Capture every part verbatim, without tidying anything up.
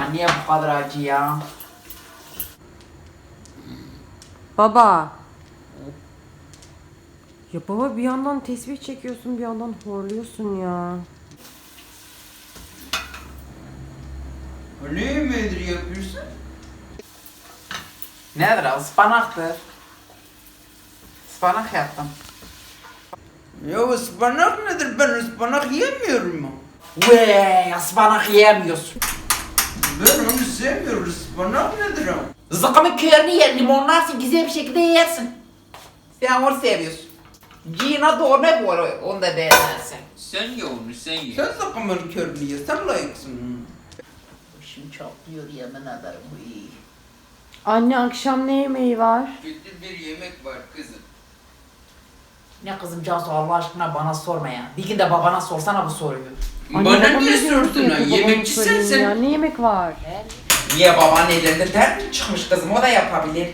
niye bu kadar acı ya? Baba. Ya baba bir yandan tesbih çekiyorsun bir yandan horluyorsun ya. Ne yemeğidir yapıyorsun? Nedir o? Ispanaktır. Ispanak yaptım. Ya ıspanak nedir? Ben ıspanak yemiyorum mu? Vey, ıspanak yiyemiyorsun. Ben onu sevmiyorum. Ispanak nedir o? Zıkkımın körünü yer, limonlarsın, güzel bir şekilde yersin. Sen onu seviyorsun. Cina doğru ne bu arada, onu da beğenirsin. Sen ye onu, sen ye. Sen sakın körünü ye. Sen layıksın. Başım çatlıyor yemin ederim bu iyi. Anne akşam ne yemeği var? Kötü bir yemek var kızım. Ne kızım Cansu Allah aşkına bana sorma ya. Bir gün de babana sorsana bu soruyu. Anne, Bana babam niye ne diyor sordun ki ha? babama Yemekçi sorayım sensin. ya. Ne yemek var? Niye babanın ellerinde dert mi çıkmış kızım, o da yapabilir.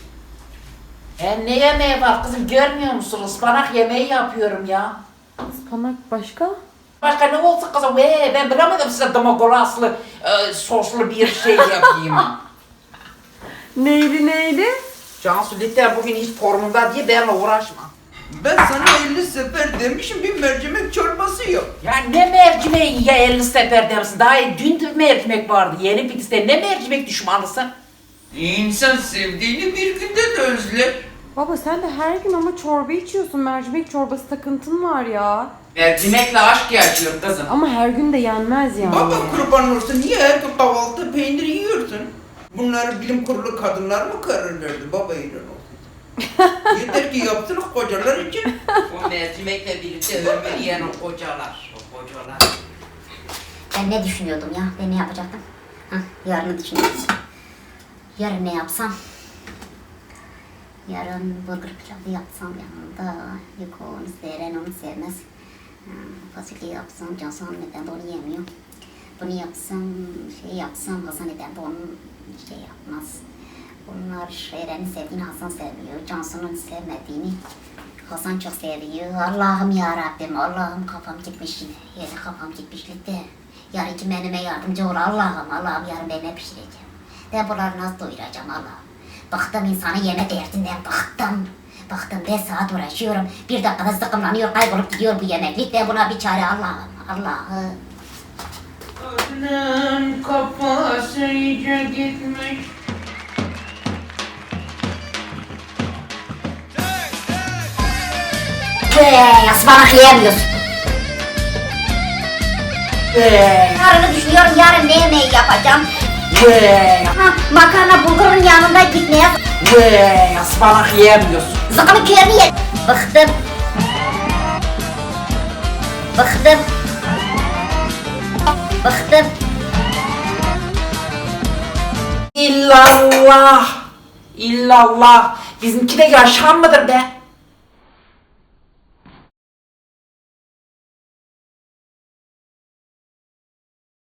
E ne yemeği var kızım, görmüyor musun? Ispanak yemeği yapıyorum ya. Ispanak başka? Başka ne olsun kızım? Ee, ben bilemedim size domagolaslı, e, soslu bir şey yapayım ha. Neydi neydi? Cansu lütfen bugün hiç formunda diye benimle uğraşma. Ben sana elli sefer demişim bir mercimek çorbası yap. Ya ne mercimeği ya elli sefer dersin. Daha dün de mercimek vardı. Yeni bitiste ne mercimek düşmanısın? İnsan sevdiğini bir günde de özler. Baba sen de her gün ama çorba içiyorsun. Mercimek çorbası takıntın var ya. Mercimekle aşk yaşıyor kızım. Ama her gün de yenmez yani. Baba kurban olsun niye her gün kahvaltı peynir yiyorsun? Bunları bilim kurulu kadınlar mı karar verdi? Baba ilan olsun. Yeter ki yapsın kocalar için. O mercimekle birlikte ömür yiyen o kocalar. O kocalar. Ben ne düşünüyordum ya? Ben ne yapacaktım? Hah, yarını düşünüyoruz. Yarın ne yapsam? Yarın burger pilavı yapsam yanında. Yok onu sever, onu sevmez. Hmm, fasulye yapsam, Cansu neden de onu yemiyor. Bunu yapsam, şey yapsam, Hasan neden de onu şey yapmaz. Bunlar Eren'in sevdiğini Hasan sevmiyor. Cansu'nun sevmediğini Hasan çok seviyor. Allah'ım ya Rabbim, Allah'ım kafam gitmiş yine. Yine kafam gitmişlikte. Yarın ki menüme yardımcı ol Allah'ım. Allah'ım yarın ben ne pişireceğim? Ben bunları nasıl doyuracağım Allah'ım? Bıktım insanı yeme derdinden, bıktım. Bıktım beş saat uğraşıyorum. Bir dakikada sıkımlanıyor, kaybolup gidiyor bu yemeklik. Ben buna bir çare Allah'ım, Allah'ım. Adnan kafası iyice gitmiş. Hey, ıspanak yiyemiyorsun. Vey, Yarını düşünüyorum, yarın ne yemeği yapacağım? vey, Ha, makarna bulgurun yanında gitmeye vey, ıspanak yiyemiyorsun. zıkkımın köyünü ye. Bıktım. Bıktım. Bıktım. İllallah, illallah. Bizimki de yaşam mıdır be?